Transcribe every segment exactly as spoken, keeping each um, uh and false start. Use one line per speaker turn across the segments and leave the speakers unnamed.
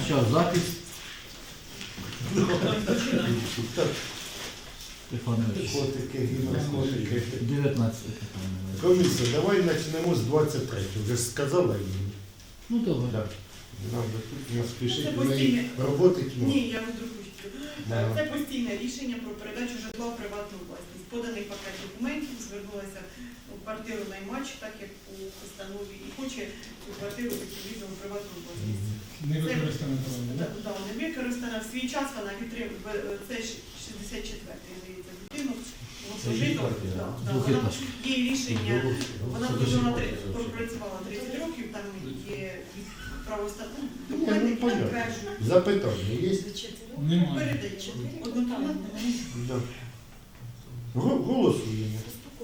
Почав запис. Стефанович.
Котики, гімнастики.
дев'ятнадцяте питання.
Комісія, давай почнемо з двадцять третього. Вже ж сказала їм.
Ну добре.
Так. Надо тут не спішити,
Це
в неї
постійне.
роботи тьма.
Ні, я веду кучку.
Да.
Це постійне рішення про передачу житла в приватну власність. Поданий пакет документів, звернулася у квартиру наймач, так як у постанові, і хоче цю квартиру відповідно у приватну власність.
Не використане право,
Да,
так?
да, не використана. В свій час вона відтримує, це шістдесят четвертий, здається, будинок.
Це її квартира?
Да, да, вона,
Двохетажка.
є рішення, вона
Це
прожила
дуже
три-
квартира.
пропрацювала тридцять років, там є правостатут,
Ні, ну,
документи, які
понятно.
підтверджують.
Запитання є?
Немає.
Передача. Однокомнатна.
Да. Го- Голосуємо.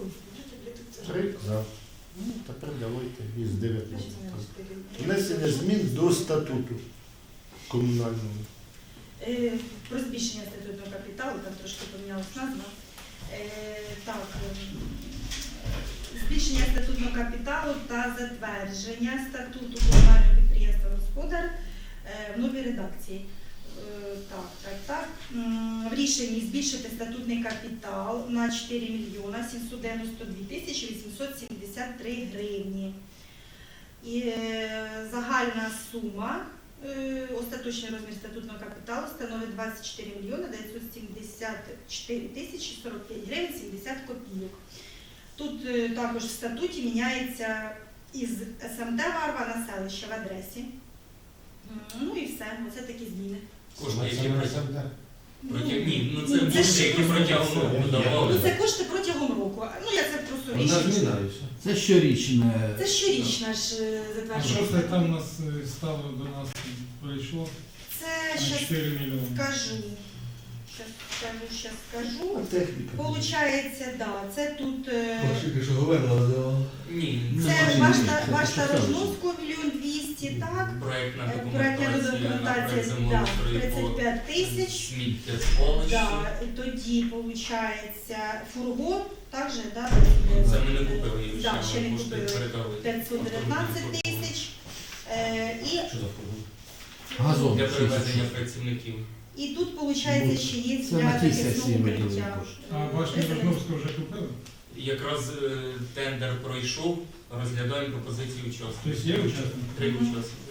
Три за. Ну, тепер давайте із дев'ятнадцятого. Внесення змін до статуту комунального.
Е, Про збільшення статутного капіталу, там трошки помінялась назва. Е, Так, ем, збільшення статутного капіталу та затвердження статуту комунального підприємства «Господар» е, в новій редакції. Е, Так, так, так. М, В рішенні збільшити статутний капітал на чотири мільйона сімсот дев'яносто дві тисячі вісімсот сімдесят три гривні. І е, загальна сума, е, остаточний розмір статутного капіталу становить двадцять чотири мільйони дев'ятсот сімдесят чотири тисячі сорок п'ять гривень сімдесят копійок. Тут е, також в статуті міняється із СМТ Варва на селище в адресі. М, Ну і все, оце такі зміни.
Кошти, які протягом.
Ну,
Ні, ну
ну,
це
це
кошти,
ж
які
просто-
протягом року
Ну
давали.
це кошти протягом року. Ну я це просто
Вона
рішення.
зміна і все.
Це щорічне.
Це щорічна ж е,
А
затвердження.
що це там у нас е, стало до нас прийшло?
Це
На
щас
чотири мільйони.
скажу. Щас скажу, щас скажу.
Техніка.
Получається, да, це тут е,
Що говорила,
Ні,
Ну,
це
бачите,
башта,
це
башта
що селище.
Рожновського мільйон двісті, так?
проєктна
Е, Проектна
документація, на
документація,
проєкт
да,
землеустрою
тридцять
по
п'ять тисяч.
сміттєзвалищі.
Да, тоді виходить фургон, також, да,
Це ми не купили її
Да,
ще,
ще не
ми кошти
купили.
передали.
п'ятсот дев'ятнадцять тисяч. Е, і,
Що за фургон?
Газон.
Для перевезення
шістдесят.
працівників.
і тут, виходить, ще є
Це
для
на тій
захисного
сесії виділили
укриття.
кошти.
А башню Рожновського вже купили?
Якраз е, тендер пройшов, розглядаємо пропозиції учасників.
Тобто є учасники?
Три
Мгм.
учасники.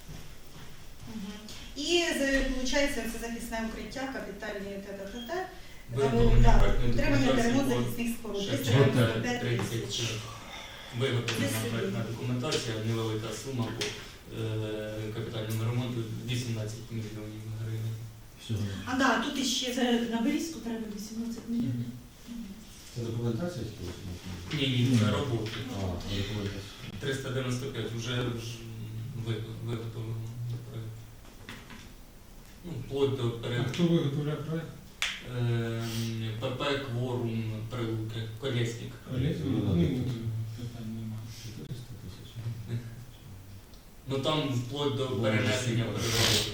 Мгм. І виходить, це захисне укриття, капітальні та-та-та-та.
Виготовлення
Да,
проєктної
Утримання та ремонт
документації.
захисних споруд.
Ще
триста
Готель.
дев'яносто п'ять
тридцять
тисяч.
виготовлена
Це
проєктна
собі.
документація, невелика сума по е, капітальному ремонту вісімнадцять мільйонів гривень.
Всього.
А да, тут іще
Це на Берізьку треба вісімнадцять мільйонів.
Це документація чи що?
Ні, ні, це роботи.
А, це документація.
триста дев'яносто п'ять вже ж ви- виготовлено до проєкту. Ну, вплоть до
А
перед
хто виготовляє проект?
ПП Кворум Прилуки, Колєснік.
Олег?
Ну,
Ну,
да,
питань немає.
чотириста тисяч.
Ну там вплоть до перенесення переробок.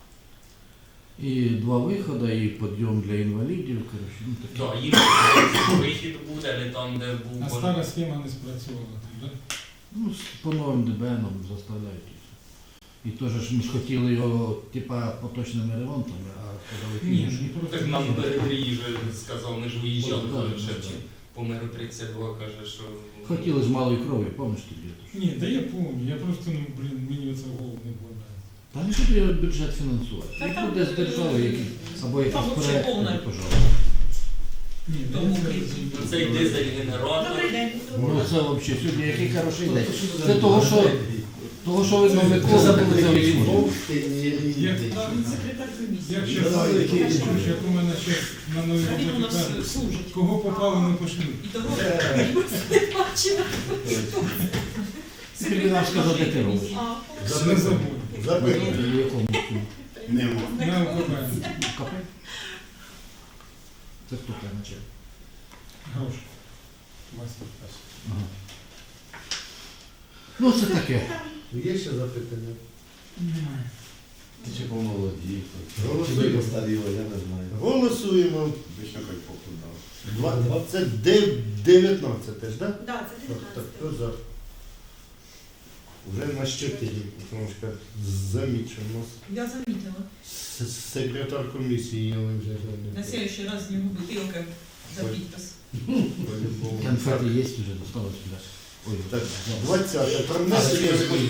І два виходи, і підйом для інвалідів. Коротше, ну, таке.
Так, їм вихід буде, не там, де був.
А стара схема не спрацювала, так?
Ну, з- по новим ДБНам заставляють. і все. І теж ж ми ж хотіли його, типа, поточними ремонтами, а подали
Ні,
фініш.
ну, так нам Бередрій вже сказав, ми ж виїжджали,
Ну, да,
вже
да, да.
по миру тридцять два каже, що...
Хотіли з малої крові, пам'ятаєш тоді?
Ні, да я пам'ятаю, я просто, ну, блін, мені оце в голову не вкладає.
Та не буде його бюджет фінансувати.
Та
Як
там,
буде з держави, який, або якийсь
там
проект,
взагалі повна.
тоді, пожалуйста.
Ні, да
Тому
я це
крім-
розумію.
Ну, цей дизель-генератор.
Добрий день.
Ну це взагалі сьогодні який хороший день. Це того, що, того, що видно Микола, так це відсмотрено.
Як,
Він секретар комісії.
як ще чуєш, як у мене ще на новій
А він у
роботі
нас
кажуть,
служить.
кого попало, не пошлють.
І того не бачила.
Скільки нам сказав, де ти робиш?
А,
Не забуду.
Запитання.
В якому?
Нема.
На ОКП.
Капель? Це хто там наче?
Гроші. Вася.
Ага. Ну це таке.
Є ще запитання?
Немає.
Ти чи помолоді, чи
Голосуємо.
ви постаріли, я не знаю.
Голосуємо.
Вічно як похудав.
Два- Це дев'ятнадцяте ж, так?
Да, це
Так, так,
дев'ятнадцяте.
хто за? Вже на чотири, тому що замічено.
Я замітила.
С- Секретар комісії я вже
На
замітив.
следующий раз не бутилка за підпис.
По-любому.
Конфети є вже, досталось пляж. Ой,
Так, двадцяте. Про внесення змін.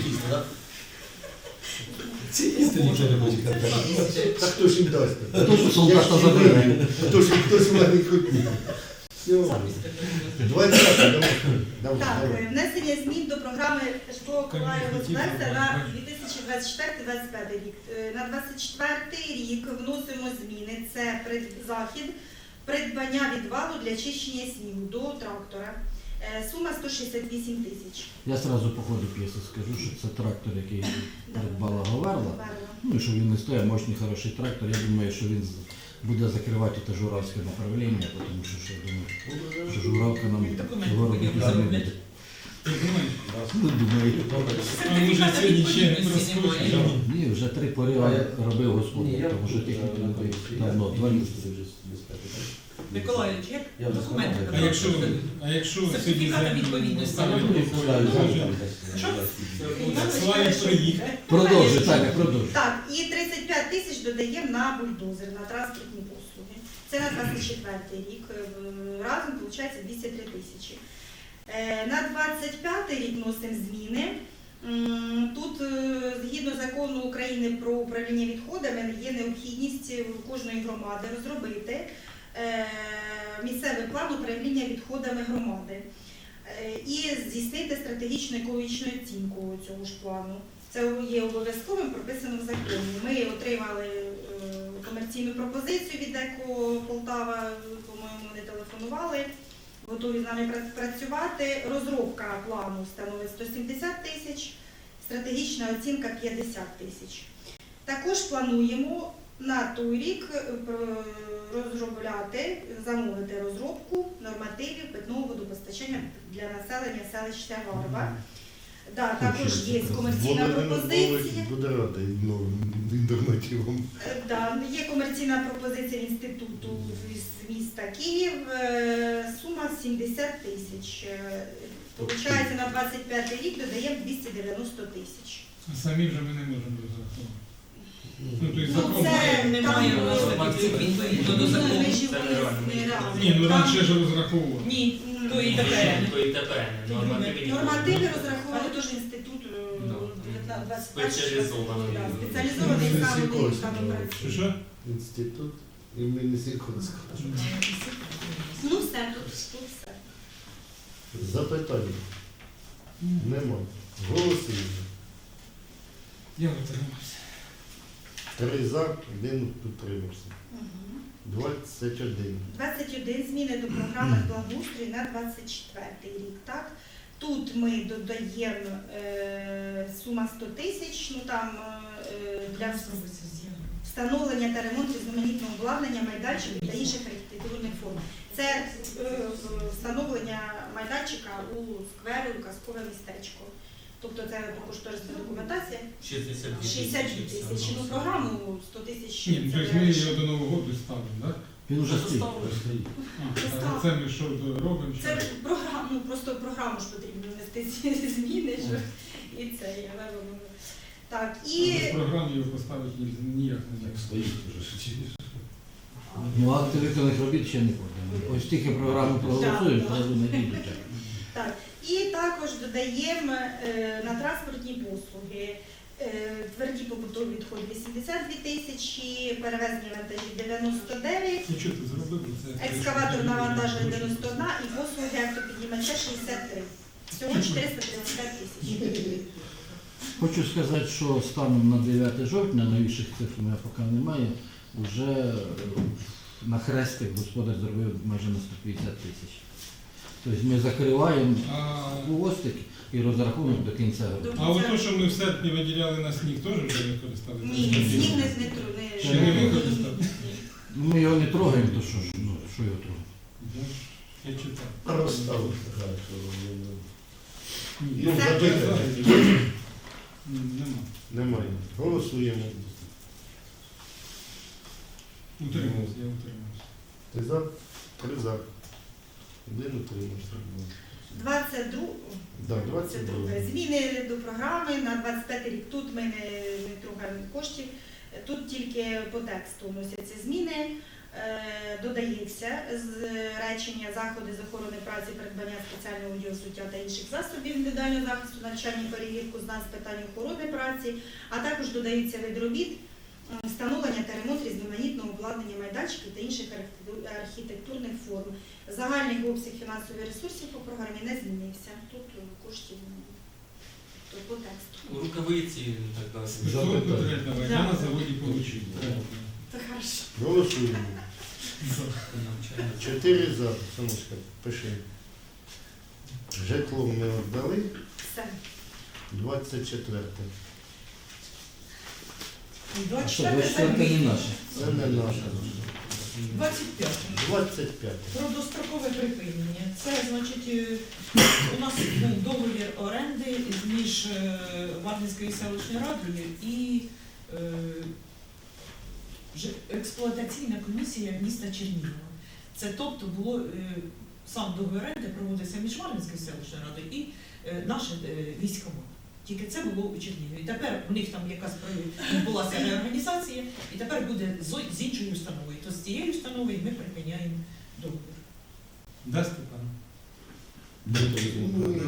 Та хто ж їм дасть?
То, що солдата забере.
Хто ж хтось мене хотів. Все. двадцяте. Давай. Давай,
Так,
давай.
е, внесення змін до програми житлово-комунального господарства на дві тисячі двадцять четвертий - двадцять п'ятий рік. Е, На двадцять четвертий рік вносимо зміни. Це пред- захід придбання відвалу для чищення снігу до трактора. Е, Сума сто шістдесят вісім тисяч.
Я сразу по ходу п'єси скажу, що це трактор, який придбала Говерла. Ну і що він не стоїть, мощний, хороший трактор. Я думаю, що він з- буде закривати те журавське направлення, тому що, що я думаю, що журавка нам
Документи
цього року
будемо
не
заробляти.
буде.
Ти думаєш?
Ну, думаю.
А може сьогодні ще не
відповідності
розкручуєш?
немає.
Ні, вже три пори робив
Ні,
господар,
я
тому що техніку не робив давно, два місяці.
Миколаївич, як
Я вже
документи
сказав.
А якщо, а якщо сьогодні
Сертифікат
землю
відповідності.
ставлять
Ну,
по
ставлю,
положенню,
Що?
Славі приїхав.
Продовжуй, так, продовжуй.
Так, і тридцять п'ять тисяч додаємо на бульдозер, на транспортні послуги. Це на двадцять четвертий рік. Е, Разом виходить двісті три тисячі. Е, На двадцять п'ятий рік вносимо зміни. М, Тут, е, згідно закону України про управління відходами, є необхідність у кожної громади розробити е, місцевий план управління відходами громади е, і здійснити стратегічну екологічну оцінку цього ж плану. Це є обов'язковим, прописано в законі. Ми отримали е, комерційну пропозицію від ЕКО Полтава, по-моєму, вони телефонували, готові з нами пра- працювати. Розробка плану становить сто сімдесят тисяч, стратегічна оцінка п'ятдесят тисяч. Також плануємо на той рік е, про- розробляти, замовити розробку нормативів питного водопостачання для населення селища Варва. Да, також є комерційна пропозиція.
Буде радий новим нормативам.
Е, Да, є комерційна пропозиція інституту з міста Київ. е, Сума сімдесят тисяч. Е, Получається, на двадцять п'ятий рік додаємо двісті дев'яносто тисяч.
А самі вже ми не можемо розрахувати. Ну, то есть
Ну,
закон.
це
Немає
там,
у нас таких цифр відповідно до закону.
Межі
Це
вони
нереально.
нереальні.
Ні, ну
Там,
раніше ж розраховували.
Ні,
м,
то і тепер.
То і тепер. Нормативи ніхто.
Нормативи розраховували теж інститут е,
Да.
дев'ятнадцять двадцять перший.
Спеціалізований.
Да, Спеціалізований саме
Сікорський,
саме
да.
Що
працює.
що?
Інститут імені Сікорського.
Ну все, тут, тут все.
Запитання. Нема. Голосуємо.
Я утримався.
Три за, один утримався.
Мгм.
двадцять один.
двадцять один зміни до програми благоустрій на двадцять четвертий рік. Так? Тут ми додаємо е, сума сто тисяч, ну там е, для встановлення та ремонту різноманітного обладнання майданчиків та інших архітектурних форм. Це е, встановлення майданчика у сквері, у казкове містечко. Тобто це кошторисна документація.
шістдесят дві
шістдесят дві тисячі. Ну, програму сто тисяч.
Ні, ну,
це
тобто ми
реально.
його до Нового року ставимо, так?
Він вже стоїть.
А, а це ми що робимо?
Це програма, ну просто в програму ж потрібно внести ці зміни, що і це я вивела. Так, і
Без програми його поставити ні- ніяк не
Так
можна.
стоїть уже чи
Ну, акти виконаних робіт ще не подані. Ось тільки програму проголосуємо,
Так,
зразу не дійдуть.
так, і також додаємо е, на транспортні послуги. Е, Тверді побутові відходи вісімдесят дві тисячі, перевезення вантажів дев'яносто дев'ять,
Ну що ти зробив? Це
екскаватор навантаження дев'яносто один і послуги автопіднімача шістдесят три. Всього чотириста тридцять п'ять тисяч.
Хочу сказати, що станом на дев'яте жовтня, новіших цифр у мене поки немає, вже на хрестик господар зробив майже на сто п'ятдесят тисяч. Тобто ми закриваємо
А,
хвостик і розрахунок до кінця року.
а от то, що ми в серпні виділяли на сніг, теж вже використали?
Ні, сніг не не тру- не-
Ще не використали?
Ну, ми його не трогаємо, то що ж, ну, що його трогати?
Я ж- Я читав.
Розставив.
Ні,
Ну,
я
запитання.
читав. Ні, Нема.
Немає. Голосуємо.
Утримався, я утримався.
Ти за? Три за. Один утримався.
двадцять друге.
Да, двадцять друге.
Зміни до програми на двадцять п'ятий рік. Тут ми не, не трогаємо коштів. Тут тільки по тексту вносяться зміни. Е, додається з речення заходи з охорони праці, придбання спеціального одягу, взуття та інших засобів індивідуального захисту, навчання, перевірку знань з питань охорони праці, а також додаються вид робіт, м, встановлення та ремонт різноманітного обладнання майданчиків та інших архітекту- архітектурних форм. Загальний обсяг фінансових ресурсів по програмі не змінився. Тут е, коштів немає. То по тексту.
Рукавиці і так далі.
Спецовку третього я на заводі получив.
Це хорошо.
Голосуємо.
Навчання.
Чотири за. Сонечка, пиши. Житло ми віддали.
Все.
двадцять четверте.
А що,
двадцять
двадцять четверте не наше?
Це не наше.
двадцять п'яте.
двадцять п'яте.
Про дострокове припинення. Це, значить, е, у нас був договір оренди між е, Варвинською селищною радою і е, ж- експлуатаційна комісія міста Чернігова. Це тобто було е, сам договір оренди проводився між Варвинською селищною радою і е, наше е, військомат. Тільки це було у Чернігові. Тепер у них там якась про- відбулася реорганізація, і тепер буде з- з іншою установою. То з цією установою ми припиняємо договір.
Да, Степан?
Ну,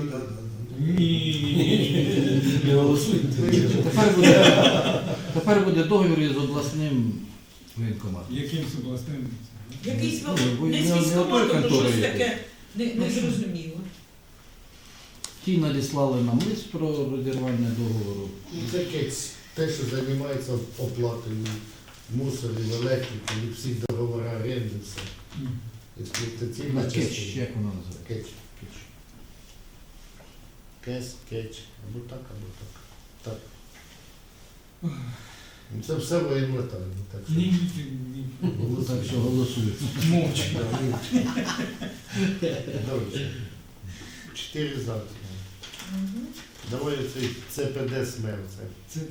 Ні.
Не голосуйте.
Тепер буде, тепер буде договір із обласним воєнкоматом.
Яким з обласним?
Якийсь
Ну,
вел-
бо
не
я
з
не
військоматом,
той
то
контори
щось
якийсь.
таке не, не зрозуміло.
Ті надіслали нам лист про розірвання договору.
Ну, це кець. Те, що займається оплатою мусорів, електрики, і всіх договорів оренди, все. Експлуатаційна
На кетч,
частина.
як воно називається?
Кетч.
Кетч.
Кес, кетч. Або так, або так. Так. Ну, це все воєнна тайна. Так що...
Ні, ні, ні.
Ну, так що голосують.
Мовчки.
Да, ні. Добре. Чотири за.
Мгм.
Давай оцей це пе де СМЕР. Це.
Це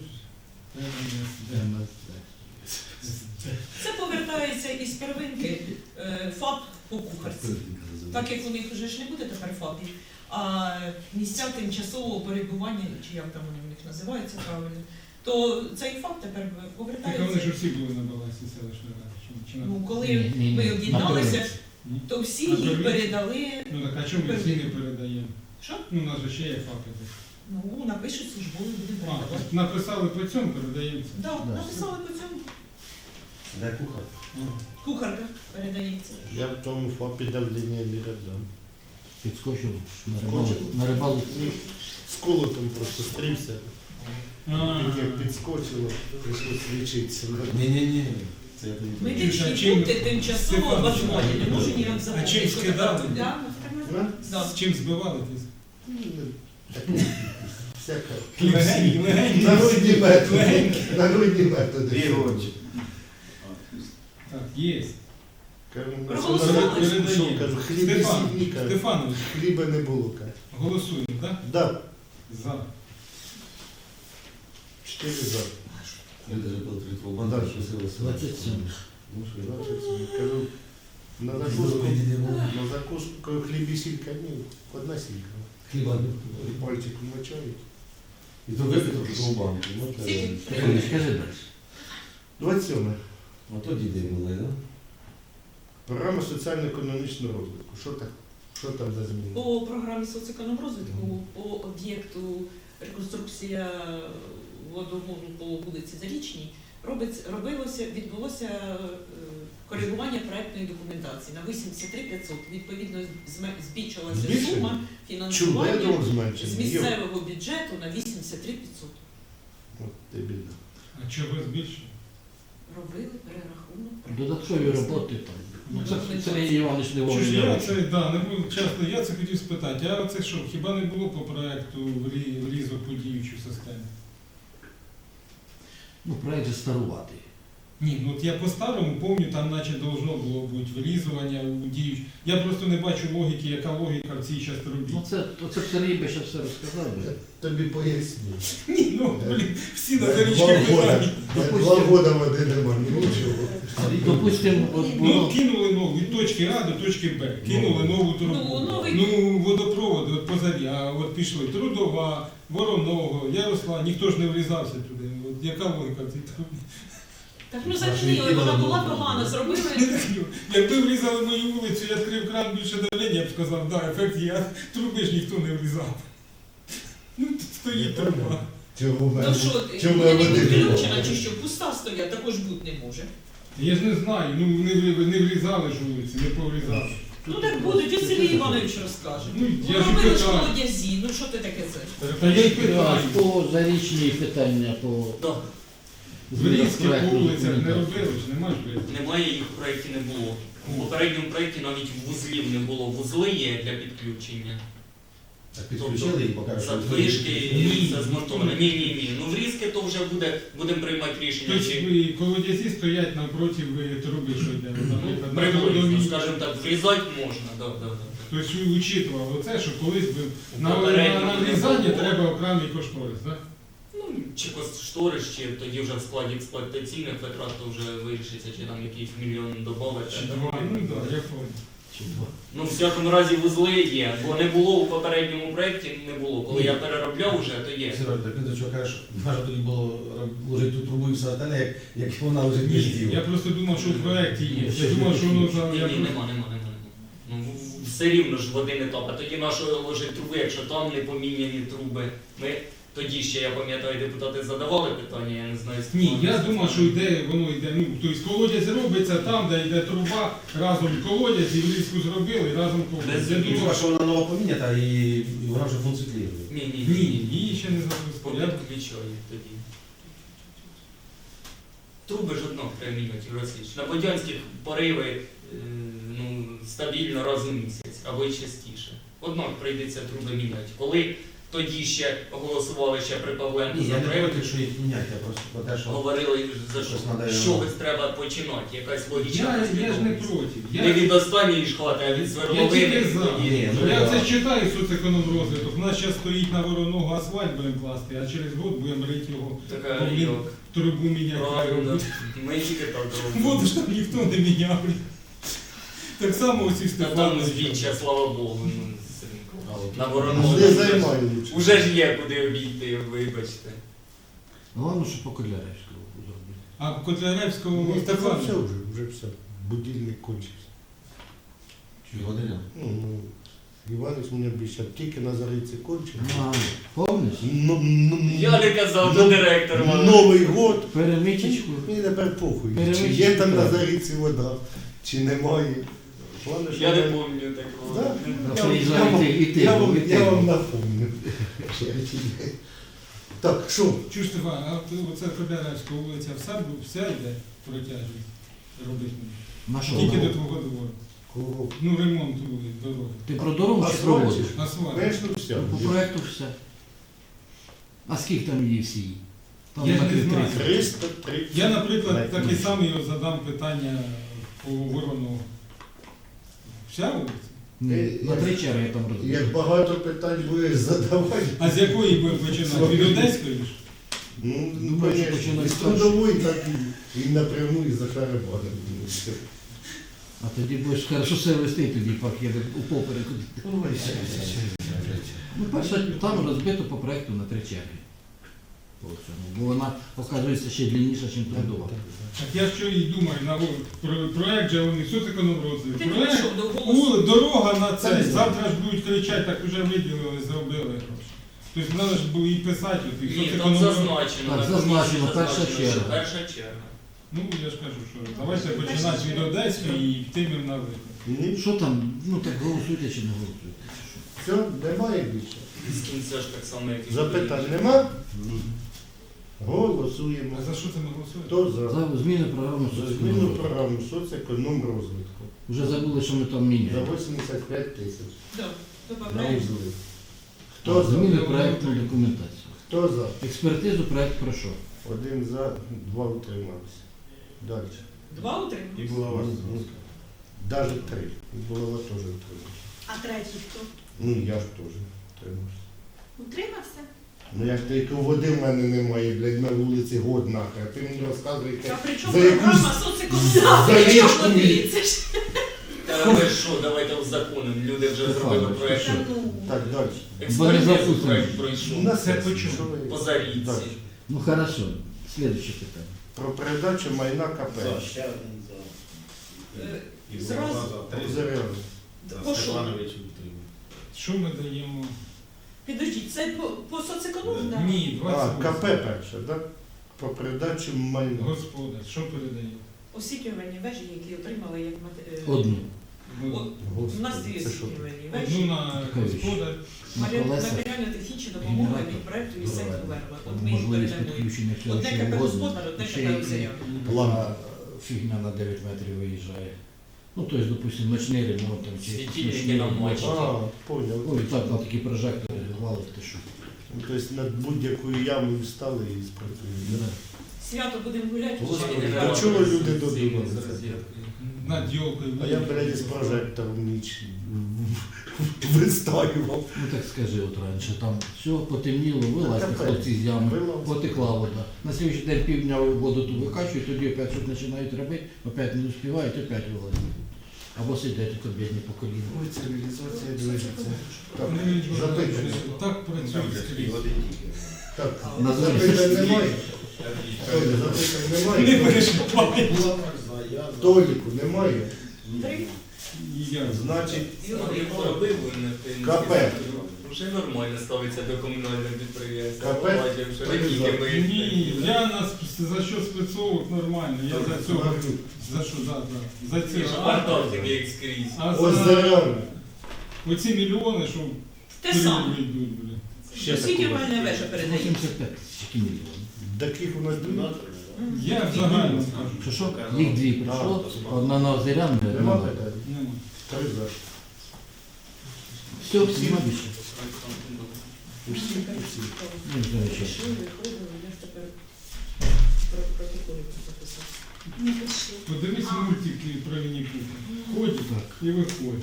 Це повертається із первинки е, ФАП по кухарці. Так як у них вже ж не буде тепер ФАПів, а місця тимчасового перебування, чи як там вони у них називаються правильно, то цей ФАП тепер
Так вони ж
повертається.
усі були на балансі селищної ради. Чи- чи на-
Ну, коли
Ні, ні, ні.
ми
На
об'єдналися,
первинці.
Ні?
то всі
На
їх
первинці?
передали.
Ну так а чому ми всі не передаємо?
Що?
Ну, у нас же ще є факти.
Ну, напишуть службові, будемо
А,
передавати.
тобто написали по цьому, передається.
Так,
Да.
написали по цьому.
Де кухар?
Кухарка передається.
Я в тому ФАПі давлення не дам.
Підскочив на рибалку. На рибалку.
З колотом просто стрівся.
А,
Як підскочило, прийшлося лічитися.
Ні-ні-ні. Це я тобі кажу.
Медичні
А чим-
пункти тимчасово
Степан,
обладнані, не можу ніяк
А
запомнити.
чим
що
скидали?
таке. Да,
Да?
да.
з чим збивали ти?
Всяка.
Легенькі, легенькі.
Народні методи. Народні методи.
Дві очі.
Так, є.
Кажу, ну,
Проголосували?
що на- що, кажу, хліб і
Стефан,
сіль, кажу.
Стефанович,
Хліба не було, кажу.
голосуємо, так?
Да,
За.
чотири за.
Люди ж були три банди,
Да.
що сили
двадцять сім.
Ну, що,
Двадцять сім. Кажу, на закуску, на закуску, кажу, хліб і сілька, ні, одна сілька.
Хліба не
І пальчиком мочають.
І то випито в банку. Ну,
Скільки?
Скажи, скажи далі.
двадцять сьоме.
А то діди були, так?
Програма соціально-економічного розвитку. Що так? Що там за зміни?
По програмі соцекономрозвитку, по об'єкту реконструкція водогону по вулиці Зарічній, робиться, робилося, відбулося е, коригування проектної документації на вісімдесят три тисячі п'ятсот. Відповідно, зме- збільшилася
Збільшення?
сума фінансування
Чудово
з
зменшення. Йо.
місцевого бюджету на вісімдесят три тисячі п'ятсот.
От ти біда.
А чого збільшили?
Робили перерахунок.
Додаткові роботи там. Ну, це Сергій Іванович не
Чи ж я
вовремя.
це, да, не був часто, я це хотів спитати, а це що, хіба не було по проекту влізок по діючу систему?
Ну, проект же старуватий.
Ні, ну от я по-старому пам'ятаю, там наче должно було бути врізування у діюч. Я просто не бачу логіки, яка логіка в цій частині.
Ну це, оце б Сергій би ще все розказав. би.
Тобі поясню.
Ні, ну, блін, всі на
Два
зарічки
года,
питання.
два года води нема, нічого.
Допустимо, от
Ну,
було.
кинули нову від точки А до точки Б. Кинули нову трубу.
Ну, новий-
Ну, водопроводи от позарі, а от пішли Трудова, Вороного, Ярослав, ніхто ж не врізався туди. От яка логіка в цій трубі?
Так ну зажміли, вона була погана, зробили.
Якби врізали мою вулицю, я відкрив кран більше давлення, я б сказав, да, ефект є, а труби ж ніхто не врізав. Ну, тут стоїть труба.
Чого в
Ну
мене?
що,
Чому
вона не
я води
підключена
не
чи що, пуста стоять, також бути не може.
Я ж не знаю, ну не, врі- не врізали ж вулиці, не поврізали.
Ну так будуть, ось Сергій Іванович розкаже.
Ну, я
Ну,
ж
робили ж
питаю.
колодязі, ну що ти таке це?
Та я й
А,
питаю.
по зарічній питання по
Да.
Врізки по
проекту
вулицях не
документації.
робили ж, нема ж врізки.
Немає їх в проєкті не було. У попередньому проєкті навіть вузлів не було. Вузли є для підключення.
Так підключили і покажуть. що
Задвижки,
Ні.
все змонтовано. Ні, ні, ні. Ну врізки то вже буде, будемо приймати рішення.
Тобто
Чи
ви колодязі стоять напроти ви труби, що йде, наприклад, на
приблизно,
трудовій.
скажімо так, врізати можна. Да, да, да.
Тобто ви учитували оце, що колись би на, на,
Попередньо
на
не
врізання
було.
треба окремий кошторис, так?
Ну, чи кошторис, чи тоді вже в складі експлуатаційних витрат то вже вирішиться, чи там якийсь мільйон додати.
Чи два, ну так, я понял.
Ну, в всякому разі вузли є, бо не було у попередньому проєкті, не було. Коли я переробляв вже, то є.
Сергій, так ти до чого кажеш, може тоді було ложити ту трубу і все остальне, як, як вона вже не
Ні,
зділа.
я просто думав, що в проєкті є. Я думав, що воно за...
Ні,
я
ні,
просто-
нема, нема, нема. нема. Ну, в- все рівно ж води не топ. А тоді нашої ложить труби, якщо там не поміняні труби. Ми тоді ще, я пам'ятаю, депутати задавали питання, я не знаю. з
Ні, я
ким.
думав, що йде, воно йде, ну, тобто колодязь робиться там, де йде труба, разом колодязь і влізку зробили, і разом колодязь. Я
Без
І
думав,
що вона нова помінята і, і вона вже функціонує.
Ні, ні,
ні, її ще не запустили. Я-
Підключаю тоді. Труби ж одно треба міняти, Росіч. На Бодянських пориви е, ну, стабільно раз у місяць, або й частіше. Однак прийдеться труби міняти. Коли тоді ще голосували ще при Павленку
Ні,
за
я не
проєкт,
проти, що їх міняти, я просто про те, що...
говорили за що.
Щось надо
З
його-
чогось треба починати, якась логічна
Я, я ж не
послідовність.
проти.
Не
Я,
від останньої ж хвати, а від
я тільки
свердловини.
за.
Ні, ну,
Я
я-
це читаю соцекономрозвиток. У нас зараз стоїть на Вороного асфальт будемо класти, а через год будемо рити його,
Така
Блін,
йок.
трубу міняти.
Правильно. Ми тільки так робимо.
Воду ж там ніхто не міняв. Так само усі
Та там
Степановичі.
збіччя, слава Богу. ну, На
Ну,
Вороного.
не займаю лучше.
Уже ж є куди обійти, вибачте.
Головне, що по Коляревському зробити.
А в Котляревському
Ну, так
Степану.
все вже, вже все. Будильник кончився.
Чи година?
Ну, ну, Іванович мене обіцяв, тільки на Зариці кончив.
А, повниш?
Ну, ну,
Я не казав
ну,
до директора. Іванович.
Новий год.
Перемичечку.
Мені тепер похуй. Чи
Перемички
є там на
треба.
Зариці вода, чи немає. Головне, що
Я не
мене-
пам'ятаю такого.
Да?
А
Я-
приїжджай
я вам-
і ти, і ти,
Я вам,
і ти.
я вам напомню. Так, що?
Чуж Стефан, а от оце Котляревська вулиця вся, бу- вся йде протяжність робити.
На що?
Тільки до
вона?
твого двору.
Кого?
Ну, ремонт вулиць, дороги.
Ти про дорогу чи
Асфальт
про
чи
воду?
що?
Асфальт.
Конечно, все.
По проекту все. А скільки там її всі? Там
Я ж не
метрів
знаю.
тридцять.
триста тридцять.
Я, наприклад,
Навіть
таке
більше.
саме його задам питання по Воронову. Вся вулиця?
Ні,
Е,
на
як-
три черги я там розбив.
Як багато питань будеш задавати.
А з якої будемо починати? Від Одеської ж?
Ну, ну,
Думаю, що
конечно,
починати
і з
з першого.
трудової, так і, і напряму, і за шарабаном.
А тоді будеш хорошо себе вести, тоді пакет у попереку. Ну, перше, там розбито по проекту на три черги. По цьому. Бо вона, оказується, ще длинніша, ніж трудова.
Так я що і думаю, на во- про, проект же вони соцекономрозвиток.
Ти не
Проект,
пішов до голосу.
у, дорога на це, завтра ж будуть кричати, так вже виділили, зробили гроші. Тобто треба ж було і писати, от, і
Ні, там
соцекономрозвиток.
зазначено.
Так,
на
зазначено,
комісії
перша
зазначено, що
черга.
Перша черга.
Ну, я ж кажу, що давайте починати від Одеської і йтимемо на виклик.
Ні,
Що там, ну так голосуйте чи не голосуйте?
все, немає більше.
З кінця ж так само, як і
Запитань нема? Голосуємо.
А за що це ми голосуємо?
Хто за?
За зміни програми
За зміну
соцекономрозвитку.
програми соцекономрозвитку.
Вже забули, що ми там
За
міняємо.
вісімдесят п'ять тисяч.
Да,
На
добавляємо.
узли. Хто за?
Зміни проєкту документації.
Хто за?
Експертизу проєкт пройшов.
Один за, два утримався. Далі.
Два утримались.
І була ваша
Ну, Даже три. І булава теж утримався.
А третій хто?
Ну, я ж теж утримався.
Утримався?
Ну як тільки води в мене немає, блядь, на вулиці год нахер. А ти мені розказуєте.
А при чому
За якусь-
програма соцекономіка?
за
При чому
річку
води? Це ж
Та ви що, давайте узаконимо. Люди вже зробили
Файно,
проєкт.
Та ну.
Так, далі.
Експертизу
запустимо.
проєкт
У
пройшов.
нас
Це
є-
почув.
що ви-
По зарідці.
Далі.
Ну хорошо, следующее питання.
Про передачу майна КП.
е,
І
зразу.
була за три.
Озеряно.
По що?
Степанович утримав.
Що ми даємо?
Підождіть, це по, по соцекономіку?
Да.
Ні,
А,
двадцять
КП перше, так? Про передачу майна.
Господар, що передає?
Освітлювальні вежі, які отримали як мате- е,
Одну.
Ну,
О, У нас дві
Господи, це що?
освітлювальні
Одну
вежі.
на
Така річ.
господар.
На
Матеріал-
колесах.
Матеріально-технічна допомога
Генератор.
від проекту від Сентру Верба. От ми їх
Можливість
передаємо.
підключення всього,
Одне
що
КП
угодно.
господар, одне
Ще
КП
й
озеряно.
Лампа.
фігня на дев'ять метрів виїжджає. Ну, тобто, допустимо, ночний ремонт там чи
Світильники
ночний
на
ремонт.
мочі.
А, поняв.
Ой, так на такі прожектори валить, ти що.
Ну, тобто над будь-якою ямою встали і спрацюють.
Да.
Свято будемо гуляти.
Господи,
чи-
а чого люди додумалися?
З розеткою.
Над йолкою.
А я, блядь, з прожектором ніч виставив.
Ну так скажи, от раніше там все потемніло, вилазьте
Капець.
хлопці з ями,
Вилазь.
потекла вода. На слідчий день півдня воду ту викачують, тоді опять щось починають робити, опять не успівають, опять вилазять. Або сидять тут бідні по коліну.
Ой, цивілізація движеться. Так,
Ну,
запитання.
Так працює скрізь.
Так,
На дворі.
запитань немає? Толя, запитань
Не
немає?
перешкопай.
Толіку немає?
Три.
Я
Значить,
Смотри, поробив він, ти-
КП.
Вже нормально ставиться до комунального підприємства.
КП?
Бачив, що не тільки ми.
Ні, я нас за що спецовок нормально. Я за цього. За що, да, да. За
Ці
ці.
ж квартал такий як скрізь.
А за
Озеряно.
оці мільйони, що
Те саме.
перевели йдуть, блін.
Ще
Освітлювальна вежа передає.
вісімдесят п'ять тисяч мільйонів.
Таких у нас дві.
Я взагалі скажу.
Що що? Їх дві прийшло, одна на Озеряну, одна
Нема
на...
питань?
Нема.
Три за.
Все, нема більше.
Усі, усі.
Ну, замечательно.
Пішли, виходили, я ж тепер про протоколи записав.
Не пиши.
Подивись мультики про Вінні-Пуха. Ходять
Так.
і виходять.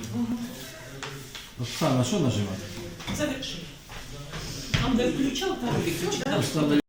Оксана, що нажимати?
Завершили. Там, де включав, там і все, да?
Установи